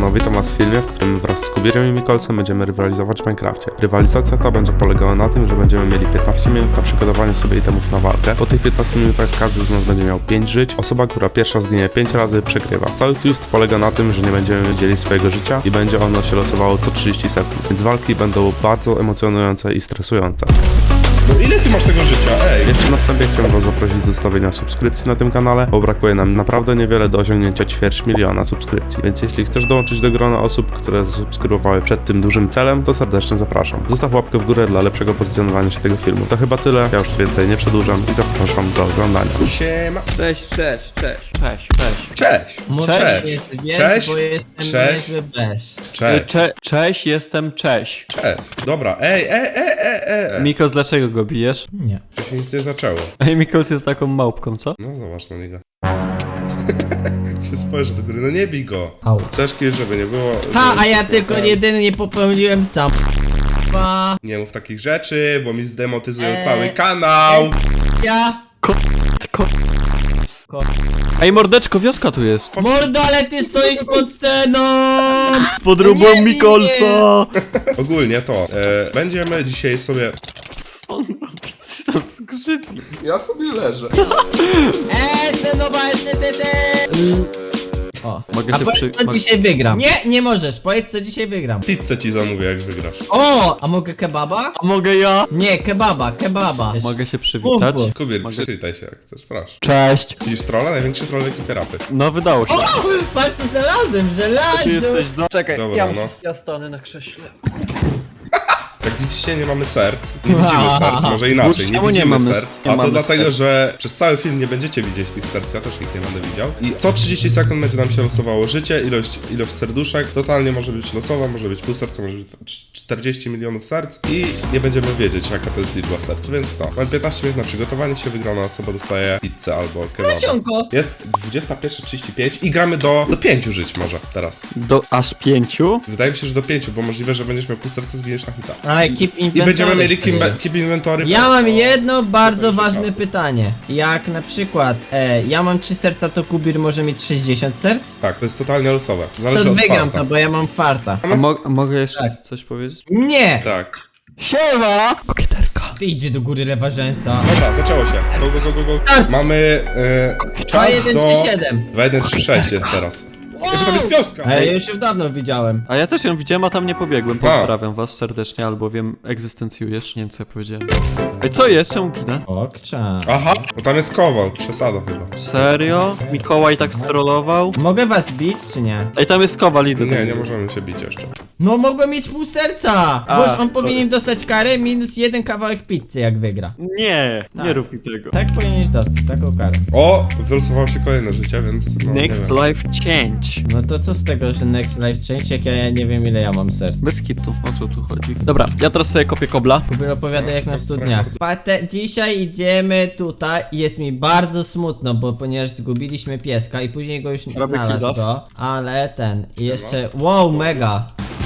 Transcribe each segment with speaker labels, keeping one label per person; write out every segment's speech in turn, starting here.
Speaker 1: Siemano, witam was w filmie, w którym wraz z Kubirem i Mikolsem będziemy rywalizować w Minecrafcie. Rywalizacja ta będzie polegała na tym, że będziemy mieli 15 minut na przygotowanie sobie itemów na walkę. Po tych 15 minutach każdy z nas będzie miał 5 żyć. Osoba, która pierwsza zginie 5 razy, przegrywa. Cały twist polega na tym, że nie będziemy dzielić swojego życia i będzie ono się losowało co 30 sekund. Więc walki będą bardzo emocjonujące i stresujące.
Speaker 2: No ile ty masz tego życia? Ej!
Speaker 1: Jeszcze na wstępie chciałbym was zaprosić do zostawienia subskrypcji na tym kanale, bo brakuje nam naprawdę niewiele do osiągnięcia 250 000 subskrypcji. Więc jeśli chcesz dołączyć do grona osób, które zasubskrybowały przed tym dużym celem, to serdecznie zapraszam. Zostaw łapkę w górę dla lepszego pozycjonowania się tego filmu. To chyba tyle, ja już więcej nie przedłużam i zapraszam do oglądania.
Speaker 2: Siema!
Speaker 3: Cześć.
Speaker 2: Cześć!
Speaker 3: Może
Speaker 2: Cześć!
Speaker 3: jest, wiesz,
Speaker 2: Cześć!
Speaker 3: bo jestem
Speaker 2: Cześć!
Speaker 3: niezły bez.
Speaker 2: Cześć!
Speaker 4: Cześć, jestem Cześć.
Speaker 2: Cześć! Dobra, ej!
Speaker 4: Mikos, dlaczego go bijesz?
Speaker 3: Nie.
Speaker 2: To się nic nie zaczęło.
Speaker 4: Ej, Mikos jest taką małpką, co?
Speaker 2: No zobacz na niego. się spojrzy do góry, no nie bij go!
Speaker 3: Au.
Speaker 2: Ciężki, żeby nie było...
Speaker 3: Ha, a
Speaker 2: żeby-
Speaker 3: ja tylko jedynie popełniłem sam.
Speaker 2: Nie mów takich rzeczy, bo mi zdemotyzują cały kanał!
Speaker 3: Ja.
Speaker 4: Ej, mordeczko, wioska tu jest.
Speaker 3: Mordo, ale ty stoisz pod sceną!
Speaker 4: Z podróbą
Speaker 3: Nie bij
Speaker 4: Mikolsa.
Speaker 2: Ogólnie to, będziemy dzisiaj sobie...
Speaker 4: Co on robi? Coś tam skrzypi.
Speaker 2: Ja sobie leżę.
Speaker 3: O.
Speaker 4: Mogę
Speaker 3: A
Speaker 4: się
Speaker 3: powiedz co dzisiaj wygram. Nie możesz, powiedz co dzisiaj wygram.
Speaker 2: Pizzę ci zamówię, jak wygrasz.
Speaker 3: O, a mogę kebaba?
Speaker 4: A mogę ja?
Speaker 3: Nie, kebaba.
Speaker 4: Mogę się przywitać?
Speaker 3: Mów,
Speaker 2: Kubir,
Speaker 4: Mogę-
Speaker 2: przywitaj się jak chcesz, proszę.
Speaker 4: Cześć.
Speaker 2: Widzisz trolla? Największy troll ekipy rapy.
Speaker 4: No, wydało się.
Speaker 3: Patrz co znalazłem,
Speaker 4: Ty
Speaker 3: żelazo!
Speaker 4: jesteś do...
Speaker 5: Czekaj,
Speaker 2: Dobra,
Speaker 5: ja
Speaker 2: no.
Speaker 5: muszę, ja stanę na krześle.
Speaker 2: Jak widzicie, nie mamy serc. Nie widzimy serc, może inaczej. Nie
Speaker 4: Czemu nie
Speaker 2: widzimy
Speaker 4: mamy
Speaker 2: serc.
Speaker 4: nie
Speaker 2: A to
Speaker 4: mamy
Speaker 2: dlatego,
Speaker 4: serc?
Speaker 2: że przez cały film nie będziecie widzieć tych serc. Ja też ich nie będę widział. I co 30 sekund będzie nam się losowało życie, ilość serduszek. Totalnie może być losowa, może być pół serca, może być 40 milionów serc. I nie będziemy wiedzieć, jaka to jest liczba serc. Więc to. Mamy 15 minut na przygotowanie się. Wygrana osoba dostaje pizzę albo kebaba.
Speaker 3: Nasionko!
Speaker 2: Jest 21:35 i gramy do 5 żyć może teraz.
Speaker 4: Do aż 5?
Speaker 2: Wydaje mi się, że do 5, bo możliwe, że będziesz miał pół serca, zginiesz na hita.
Speaker 3: Ale keep
Speaker 2: I
Speaker 3: inventory
Speaker 2: będziemy mieli
Speaker 3: to jest.
Speaker 2: keep inventory.
Speaker 3: Ja mam jedno bardzo
Speaker 2: będzie
Speaker 3: ważne
Speaker 2: czasu.
Speaker 3: pytanie. Jak na przykład ja mam 3 serca, to Kubir może mieć 60 serc?
Speaker 2: Tak, to jest totalnie losowe.
Speaker 3: To
Speaker 2: Zależy od
Speaker 3: wygram
Speaker 2: farta.
Speaker 3: to, bo ja mam farta.
Speaker 4: A mogę jeszcze
Speaker 3: Tak.
Speaker 4: coś powiedzieć?
Speaker 3: Nie!
Speaker 2: Tak.
Speaker 4: Siema! Kokieterka.
Speaker 3: Ty idzie do góry lewa rzęsa.
Speaker 2: Dobra, zaczęło się. Go.
Speaker 3: Tak.
Speaker 2: Mamy czas
Speaker 3: 1,
Speaker 2: do...
Speaker 3: 3, 7.
Speaker 2: 2-1-3-6 jest teraz. Ej, tam jest wioska!
Speaker 3: Ej, ja już ją dawno widziałem.
Speaker 4: A ja też ją widziałem, a tam nie pobiegłem. Pozdrawiam was serdecznie, albowiem egzystencjujesz. Nie wiem, co ja powiedziałem. Ej, co jest? Czemu ginę?
Speaker 3: Okcza.
Speaker 2: Aha, bo tam jest kowal. Przesada chyba.
Speaker 4: Serio? Mikołaj tak strollował?
Speaker 3: Mogę was bić, czy nie?
Speaker 4: Ej, tam jest kowal, idę
Speaker 2: Nie,
Speaker 4: tam.
Speaker 2: nie możemy się bić jeszcze.
Speaker 3: No mogłem mieć pół serca!
Speaker 4: A,
Speaker 3: Boż on
Speaker 4: sorry.
Speaker 3: powinien dostać karę minus 1 kawałek pizzy, jak wygra.
Speaker 4: Nie,
Speaker 3: Tak.
Speaker 4: nie rób mi tego.
Speaker 3: Tak powinieneś dostać, taką karę.
Speaker 2: O, wylosowało się kolejne życie, więc... No,
Speaker 4: Next
Speaker 2: nie wiem.
Speaker 4: life change.
Speaker 3: No to co z tego, że next life change, jak ja nie wiem ile ja mam serc.
Speaker 4: Bez kitu, o co tu chodzi? Dobra, ja teraz sobie kopię kobla.
Speaker 3: Kubir opowiada jak na studniach. Dzisiaj idziemy tutaj i jest mi bardzo smutno, bo ponieważ zgubiliśmy pieska i później go już nie
Speaker 4: Robię
Speaker 3: znalazł
Speaker 4: kill-off.
Speaker 3: go, ale ten i jeszcze, wow, mega.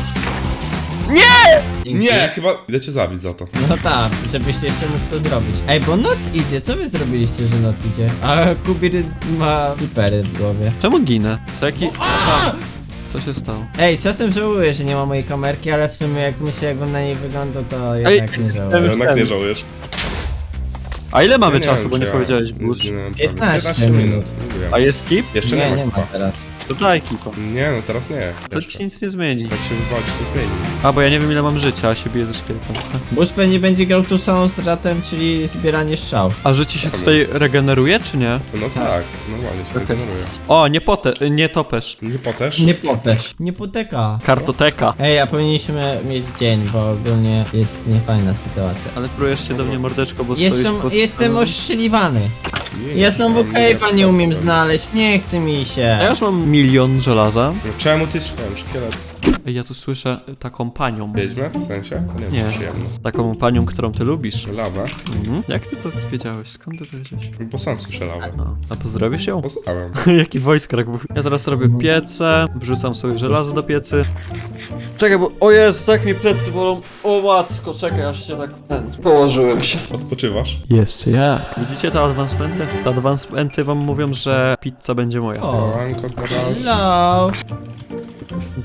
Speaker 2: Nie, chyba... Idę cię zabić za to.
Speaker 3: No tak, żebyście jeszcze mógł to zrobić. Ej, bo noc idzie, co wy zrobiliście, że noc idzie? A Kubir ma pipery w głowie.
Speaker 4: Czemu ginę? Co jaki... Aha. Co się stało?
Speaker 3: Ej, czasem żałuję, że nie ma mojej kamerki, ale w sumie jak myślę, jakbym na niej wyglądał, to jednak nie
Speaker 4: już
Speaker 3: żałuję.
Speaker 2: Jednak
Speaker 4: ten.
Speaker 2: nie żałujesz.
Speaker 4: A ile mamy
Speaker 2: Ja
Speaker 4: czasu,
Speaker 2: wiem,
Speaker 4: bo
Speaker 2: czy
Speaker 4: nie
Speaker 2: ja
Speaker 4: powiedziałeś, Bush?
Speaker 2: zginąłem
Speaker 3: 15
Speaker 2: prawie. 15 minut.
Speaker 3: minut.
Speaker 2: Mówiłem.
Speaker 4: A jest kip?
Speaker 2: Jeszcze
Speaker 3: Nie,
Speaker 2: nie
Speaker 3: nie
Speaker 2: ma.
Speaker 3: ma teraz.
Speaker 4: To daj kipa.
Speaker 2: Nie, no teraz nie.
Speaker 4: To
Speaker 2: Jeszcze.
Speaker 4: ci nic nie zmieni.
Speaker 2: Jak się wywalić, to zmieni.
Speaker 4: A, bo ja nie wiem ile mam życia, a się biję ze szkieletem.
Speaker 3: Bush pewnie będzie grał tą samą stratą, czyli zbieranie strzał.
Speaker 4: A życie się tutaj regeneruje, czy nie?
Speaker 2: No tak, normalnie się regeneruje.
Speaker 4: O, nie topesz.
Speaker 2: Nie potesz?
Speaker 3: Nie potesz. Nie poteka.
Speaker 4: Kartoteka.
Speaker 3: Ej, a powinniśmy mieć dzień, bo ogólnie jest niefajna sytuacja.
Speaker 4: Ale próbujesz się do mnie mordeczko, bo stoisz pod...
Speaker 3: Jestem oszczeliwany.
Speaker 2: Nie,
Speaker 3: Ja znowu
Speaker 2: nie
Speaker 3: cave'a
Speaker 2: chcę,
Speaker 3: nie umiem
Speaker 2: co?
Speaker 3: znaleźć, nie chce mi się.
Speaker 4: A ja już mam 1 000 000 żelaza.
Speaker 2: No czemu ty szłem? Szkielet.
Speaker 4: Ej, ja tu słyszę taką panią.
Speaker 2: Wiedźmę? W sensie?
Speaker 4: Nie.
Speaker 2: Przyjemno.
Speaker 4: Taką panią, którą ty lubisz.
Speaker 2: Lawę?
Speaker 4: Mhm. Jak ty to wiedziałeś? Skąd ty to wiedziałeś?
Speaker 2: Bo sam słyszę lawę.
Speaker 4: No. A pozdrowisz ją?
Speaker 2: Poznałem.
Speaker 4: Jaki wojskrak. Ja teraz robię piece, wrzucam sobie żelazo do piecy. Czekaj, bo... O Jezu, tak mi plecy bolą. O matko, czekaj, aż się tak... Położyłem się.
Speaker 2: Odpoczywasz?
Speaker 4: Jeszcze jak? Widzicie te advancementy? Te advancementy wam mówią, że pizza będzie moja.
Speaker 3: O,
Speaker 2: Kolanko teraz.
Speaker 3: hello.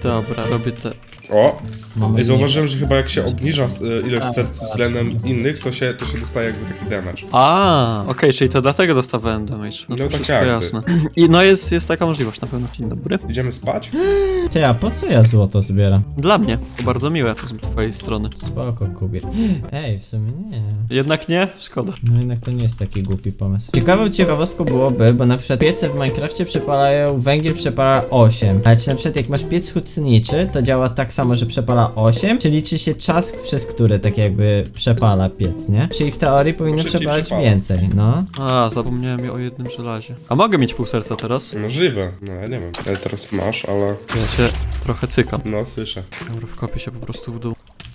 Speaker 4: Dobra, robię te...
Speaker 2: O!
Speaker 3: Mamy
Speaker 2: I zauważyłem, że chyba jak się obniża ilość serc względem innych, to się dostaje jakby taki damage.
Speaker 4: Okej, czyli to dlatego dostawałem damage.
Speaker 2: No
Speaker 4: to
Speaker 2: tak
Speaker 4: wszystko
Speaker 2: jakby.
Speaker 4: jasne. I no jest taka możliwość na pewno. Dzień dobry.
Speaker 2: Idziemy spać?
Speaker 3: Ty, a po co ja złoto zbieram?
Speaker 4: Dla mnie. To bardzo miłe z twojej strony.
Speaker 3: Spoko, Kubir. Ej, w sumie nie.
Speaker 4: Jednak nie? Szkoda.
Speaker 3: No jednak to nie jest taki głupi pomysł. Ciekawą ciekawostką byłoby, bo na przykład piece w Minecrafcie przepalają, węgiel przepala 8. Ale czy na przykład jak masz piec hutniczy, to działa tak samo, że przepala 8, czy liczy się czas, przez który tak jakby przepala piec, nie? Czyli w teorii powinno
Speaker 2: Szybciej
Speaker 3: przepalać
Speaker 2: przepala.
Speaker 3: więcej, no.
Speaker 4: Zapomniałem o jednym żelazie. A mogę mieć pół serca teraz?
Speaker 2: Możliwe. No ja nie wiem. Ale teraz masz, ale...
Speaker 4: Ja się trochę cykam.
Speaker 2: No, słyszę.
Speaker 4: Dobra, wkopię się po prostu w dół.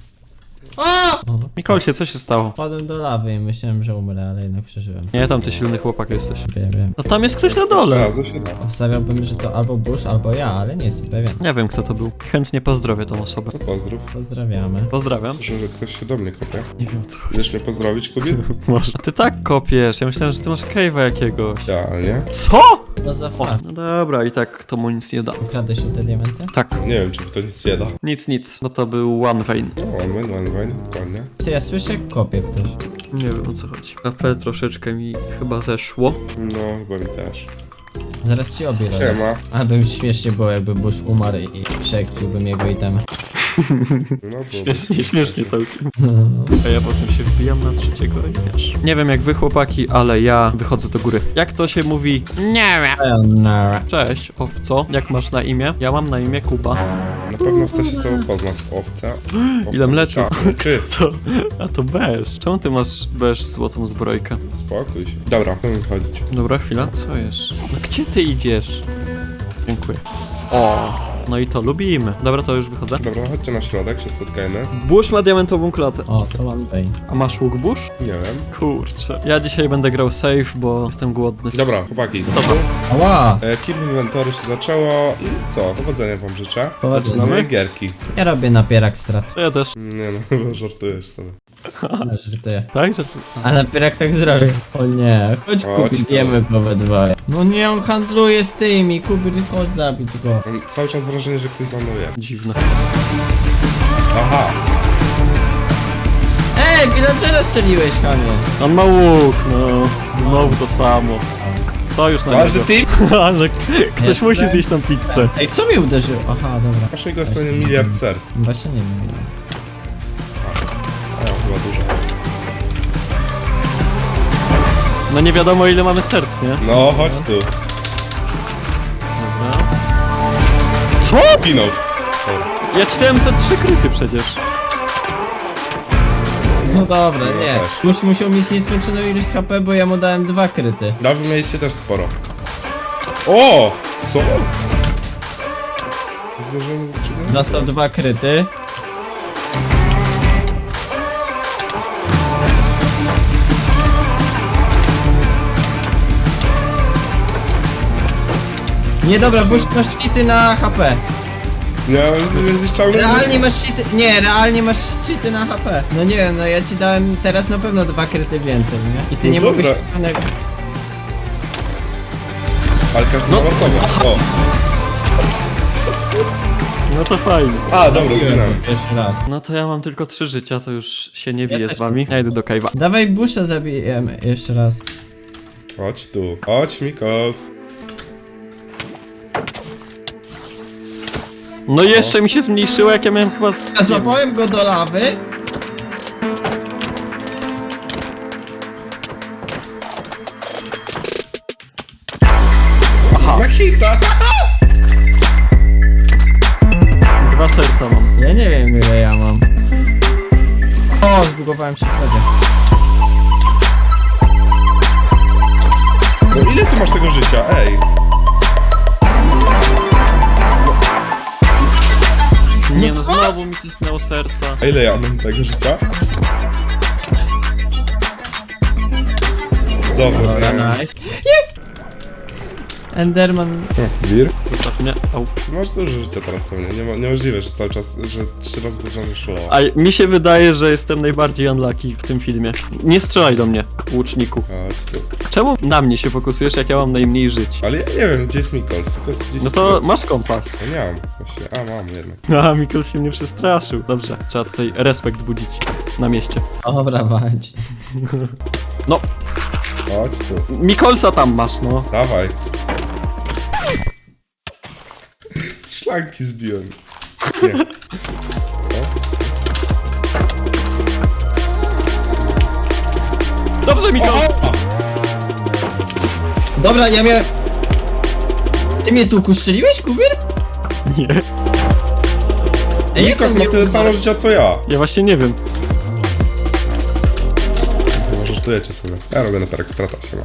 Speaker 3: O!
Speaker 4: Mikolcie, co się stało?
Speaker 3: Wpadłem do lawy i myślałem, że umrę, ale jednak przeżyłem.
Speaker 4: Nie, tam ty silny chłopak jesteś.
Speaker 3: Wiem.
Speaker 4: No tam jest ktoś na dole.
Speaker 2: Razu się da.
Speaker 3: Obstawiałbym, że to albo Bush, albo ja, ale nie jestem pewien.
Speaker 4: Nie wiem kto to był. Chętnie pozdrowię tą osobę.
Speaker 2: No pozdrów.
Speaker 3: Pozdrawiamy.
Speaker 4: Pozdrawiam.
Speaker 2: Słyszę, że ktoś się do mnie kopie.
Speaker 4: Nie wiem o co chodzi.
Speaker 2: Chcesz mnie pozdrowić, kobiet?
Speaker 4: Może. A ty tak kopiesz, ja myślałem, że ty masz cave'a jakiegoś.
Speaker 2: Ja, nie?
Speaker 4: Co?
Speaker 3: No za
Speaker 4: O,
Speaker 3: fakt.
Speaker 4: no dobra, i tak to mu nic nie da.
Speaker 3: Ukradłeś te diamenty?
Speaker 4: Tak,
Speaker 2: Nie wiem, czy mi to nic nie da.
Speaker 4: nic, bo to był one vein.
Speaker 2: No, one wine, dokładnie.
Speaker 3: Ty, ja słyszę, jak kopie ktoś.
Speaker 4: Nie wiem o co chodzi. KP troszeczkę mi chyba zeszło.
Speaker 2: No, chyba mi też.
Speaker 3: Zaraz ci obie robię.
Speaker 2: Siema.
Speaker 3: Aby mi śmiesznie było, jakby Bush umarł i przeekspiłbym jego itemy.
Speaker 2: No, było.
Speaker 4: Śmiesznie całkiem. A ja potem się wbijam na trzeciego i wiesz. Nie wiem jak wy chłopaki, ale ja wychodzę do góry. Jak to się mówi? Nie wiem. Cześć, owco. Jak masz na imię? Ja mam na imię Kuba.
Speaker 2: Na pewno chcę się z tobą poznać. Owca.
Speaker 4: Ile mleczu?
Speaker 2: Czy?
Speaker 4: A to bez. Czemu ty masz bez złotą zbrojkę?
Speaker 2: Spokój się. Dobra, możemy chodzić.
Speaker 4: Dobra, chwila, co jest? No gdzie ty idziesz? Dziękuję. O, no i to lubimy. Dobra, to już wychodzę.
Speaker 2: Dobra, chodźcie na środek, się spotkajmy.
Speaker 4: Bush ma diamentową klatę.
Speaker 3: O, to mam Bane.
Speaker 4: A masz łuk Bush?
Speaker 2: Nie wiem.
Speaker 4: Kurczę. Ja dzisiaj będę grał safe, bo jestem głodny.
Speaker 2: Dobra, chłopaki.
Speaker 4: Co to?
Speaker 3: Ała!
Speaker 2: Kill Inventory się zaczęło i co? Powodzenia wam życzę.
Speaker 3: Powodzenia.
Speaker 2: Moje gierki.
Speaker 3: Ja robię napierak strat.
Speaker 4: To ja też.
Speaker 2: Nie no, chyba żartujesz sobie.
Speaker 3: No, żartuję.
Speaker 4: Tak, że ty...
Speaker 3: A napierak tak zrobił. O nie, chodź
Speaker 2: Chodź
Speaker 3: kupić,
Speaker 2: tu.
Speaker 3: jemy po we dwoje. No nie, on handluje z tymi, Kubir, chodź zabić go.
Speaker 2: Mam cały czas wrażenie, że ktoś za mną jest.
Speaker 4: Dziwne.
Speaker 2: Aha!
Speaker 3: Ej, villagera strzeliłeś, Kamil.
Speaker 4: On ma łuk, no. Znowu to samo. Co już na
Speaker 2: Ale że
Speaker 4: niego?
Speaker 2: ty...
Speaker 4: Ale ktoś
Speaker 3: Nie,
Speaker 4: musi
Speaker 3: nie.
Speaker 4: zjeść tą pizzę.
Speaker 3: Ej, co mi uderzyło? Aha, dobra.
Speaker 2: Masz jego jest pewnie miliard serc.
Speaker 3: Właśnie nie wiem.
Speaker 2: A, chyba dużo.
Speaker 4: No nie wiadomo ile mamy serc, nie?
Speaker 2: No, chodź tu.
Speaker 4: Dobra. Co?
Speaker 2: Zginął.
Speaker 4: Ja ci dałem za 3 kryty przecież.
Speaker 3: No dobra,
Speaker 2: No
Speaker 3: nie.
Speaker 2: też.
Speaker 3: Już musiał mieć nieskończoną ilość HP, bo ja mu dałem 2 kryty.
Speaker 2: No, wy mieliście też sporo. O! Co? Zdążyłem wytrzymać?
Speaker 3: Dostał 2 kryty. Nie dobra, Bush masz cheaty na HP.
Speaker 2: Nie, jesteś ciągle...
Speaker 3: Realnie masz cheaty. Nie, realnie masz cheaty na HP. No nie wiem, no ja ci dałem teraz na pewno 2 kryty więcej, nie? I ty
Speaker 2: No
Speaker 3: nie
Speaker 2: dobra.
Speaker 3: mogłeś żadnego.
Speaker 2: Ale każdy ma osobę. O!
Speaker 4: No to fajnie.
Speaker 2: A, dobra, zginąłem.
Speaker 3: Pierwszy raz.
Speaker 4: No to ja mam tylko 3 życia, to już się nie biję
Speaker 3: też
Speaker 4: z wami. Ja idę do cave'a.
Speaker 3: Dawaj Busha zabijemy jeszcze raz.
Speaker 2: Chodź tu. Chodź, Mikols.
Speaker 4: No i jeszcze mi się zmniejszyło, jak ja miałem chyba z...
Speaker 3: A złapałem go do lawy.
Speaker 2: Na hita!
Speaker 4: 2 serca mam.
Speaker 3: Ja nie wiem ile ja mam. O, zbugowałem się wtedy.
Speaker 2: No ile ty masz tego życia? Ej!
Speaker 4: Nie no, znowu mi cisnęło serca.
Speaker 2: A ile ja mam tego życia? Dobra,
Speaker 3: Dobra,
Speaker 2: nie.
Speaker 3: nice. Jest! Enderman.
Speaker 2: Wir?
Speaker 4: Zostaw mnie. Au.
Speaker 2: Masz dużo życia teraz pewnie. Niemożliwe, że cały czas, że 3 razy wyżony szło.
Speaker 4: A mi się wydaje, że jestem najbardziej unlucky w tym filmie. Nie strzelaj do mnie, łuczniku.
Speaker 2: Chodź tu.
Speaker 4: Czemu na mnie się fokusujesz, jak ja mam najmniej żyć?
Speaker 2: Ale ja nie wiem, gdzie jest Mikols. Gdzieś
Speaker 4: No to masz kompas.
Speaker 2: Ja nie mam. Właśnie. A, mam jednak.
Speaker 4: A, Mikols się mnie przestraszył. Dobrze, trzeba tutaj respekt budzić na mieście.
Speaker 3: Dobra, walcz.
Speaker 4: No,
Speaker 2: Chodź tu.
Speaker 4: Mikolsa tam masz, no.
Speaker 2: Dawaj. Z szlanki zbiłem. Nie.
Speaker 4: Dobrze, Mikols!
Speaker 3: Dobra, ja miałem... Ty mnie z łuku strzeliłeś, Kubir?
Speaker 4: Nie.
Speaker 3: Ej,
Speaker 2: Mikols
Speaker 3: jak
Speaker 2: ma
Speaker 3: on
Speaker 2: tyle
Speaker 3: mnie
Speaker 2: samo życia co ja.
Speaker 4: Ja właśnie nie wiem.
Speaker 2: Może żartujecie sobie. Ja robię na perek strata się ma.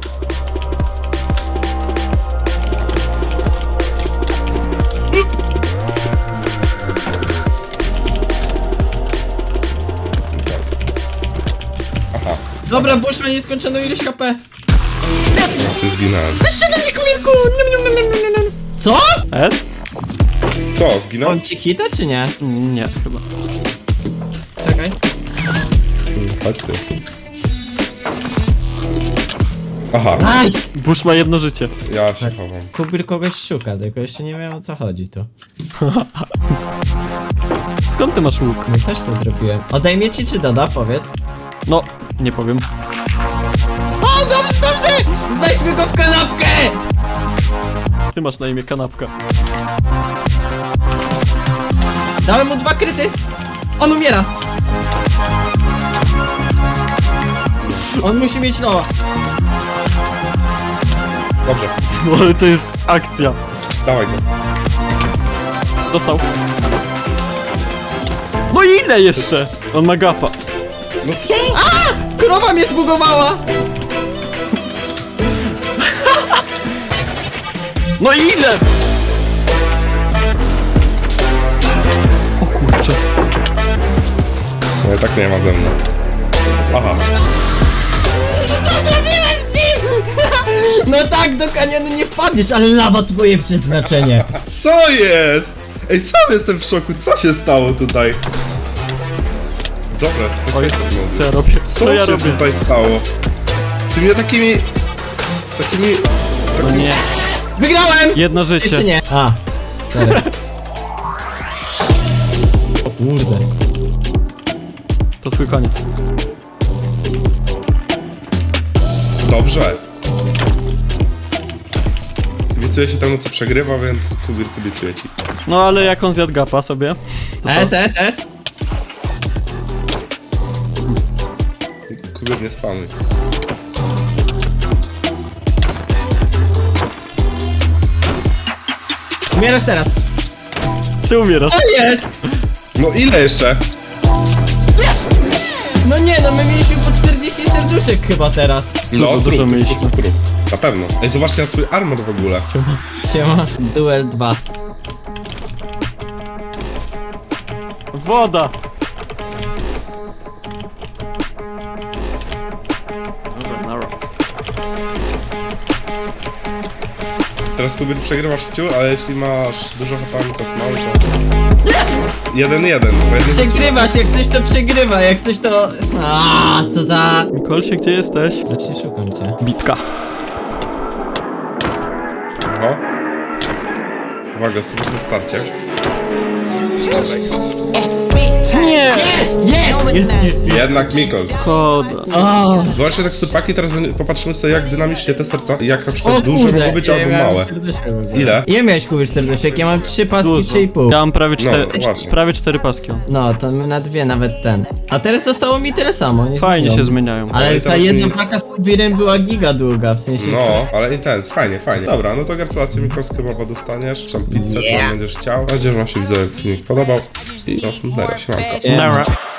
Speaker 2: Aha,
Speaker 3: Dobra, Bush ma nieskończoną ilość HP.
Speaker 2: ja się zginąłem.
Speaker 3: Jeszcze do mnie, Kubirku! Co?
Speaker 4: S?
Speaker 2: Co, zginąłem?
Speaker 3: On ci hita, czy nie?
Speaker 4: Nie, chyba.
Speaker 3: Czekaj.
Speaker 2: Chodź ty. Aha,
Speaker 3: Nice!
Speaker 4: Bush ma jedno życie.
Speaker 2: ja się chowam.
Speaker 3: Kubir kogoś szuka, tylko jeszcze nie wiem o co chodzi tu.
Speaker 4: Skąd ty masz łuk?
Speaker 3: No też to zrobiłem. Odejmie ci czy doda, powiedz.
Speaker 4: No, nie powiem.
Speaker 3: O, dobrze, dobrze! Weźmy go w kanapkę!
Speaker 4: Ty masz na imię kanapka.
Speaker 3: Dałem mu 2 kryty. On umiera. On musi mieć loa.
Speaker 2: Dobrze,
Speaker 4: No ale to jest akcja.
Speaker 2: dawaj go.
Speaker 4: Dostał. No i ile jeszcze? On ma gapa.
Speaker 2: No co?
Speaker 3: Krowa mnie zbugowała!
Speaker 4: No i ile? O kurczę.
Speaker 2: No i tak nie ma ze mną. Aha,
Speaker 3: No tak, do kanionu nie wpadniesz, ale lawa twoje przeznaczenie.
Speaker 2: co jest? Ej, sam jestem w szoku, co się stało tutaj? Dobra, jest
Speaker 4: Oj,
Speaker 2: perfekto.
Speaker 4: co ja robię?
Speaker 2: Co
Speaker 4: ja
Speaker 2: się
Speaker 4: robię?
Speaker 2: tutaj stało? Ty mnie takimi...
Speaker 4: No nie.
Speaker 3: Wygrałem!
Speaker 4: Jedno życie.
Speaker 3: Jeszcze nie. A, sorry. O kurde.
Speaker 4: To twój koniec.
Speaker 2: Dobrze. Kibicuję się temu, co przegrywa, więc Kubir kibicuje ci.
Speaker 4: No ale jak on zjadł gapa sobie? To co?
Speaker 3: S.
Speaker 2: Kubir, nie spanuj.
Speaker 3: Umierasz teraz.
Speaker 4: Ty umierasz.
Speaker 3: O, jest!
Speaker 2: No ile jeszcze?
Speaker 3: No nie, no my mieliśmy po 40 serduszek chyba teraz.
Speaker 4: Dużo mieliśmy.
Speaker 2: Trup. Na pewno. Ej, zobaczcie na swój armor w ogóle.
Speaker 3: Siema. Duel 2.
Speaker 4: Woda! Dobra, nara.
Speaker 2: Teraz Kubir przegrywasz w ciu, ale jeśli masz dużo HP kosmały, to... Jest! 1-1. bo jeden-
Speaker 3: Przegrywa się, jak coś to przegrywa, jak coś to... A, co za...
Speaker 4: Mikolsie, gdzie jesteś?
Speaker 3: Właśnie szukam cię.
Speaker 4: Bitka.
Speaker 2: Aha. Uwaga, ostatecznym starcie.
Speaker 4: Nie!
Speaker 3: Jest!
Speaker 2: Jednak Mikols.
Speaker 4: Szkoda.
Speaker 3: O,
Speaker 2: Zobaczcie teksturpaki, teraz popatrzymy sobie jak dynamicznie te serca, jak na przykład
Speaker 3: o
Speaker 2: duże
Speaker 3: kurde,
Speaker 2: mogą być
Speaker 3: ja
Speaker 2: albo
Speaker 3: miałem
Speaker 2: małe.
Speaker 3: serduszek w ogóle.
Speaker 2: Ile?
Speaker 3: Ile miałeś, Kubir, serduszek? Ja mam 3 paski,
Speaker 4: Dużo.
Speaker 3: 3,5.
Speaker 4: Ja mam prawie
Speaker 2: właśnie.
Speaker 4: prawie 4 paski.
Speaker 3: No, to na 2 nawet ten. A teraz zostało mi tyle samo, nie
Speaker 4: Fajnie
Speaker 3: zmieniło.
Speaker 4: się zmieniają.
Speaker 2: No
Speaker 3: Ale
Speaker 2: i
Speaker 3: ta
Speaker 2: teraz
Speaker 3: jedna
Speaker 2: mi-
Speaker 3: paka z Kubirem była giga długa, w sensie...
Speaker 2: No, ale intens, fajnie, fajnie. Dobra, no to gratulacje Mikols, kebaba dostaniesz, czy tam pizzę, co tam będziesz chciał. Mam nadzieję, że wam się widzowie filmik podobał. I no, dalej, siemanko.
Speaker 3: Yeah.
Speaker 4: Nara.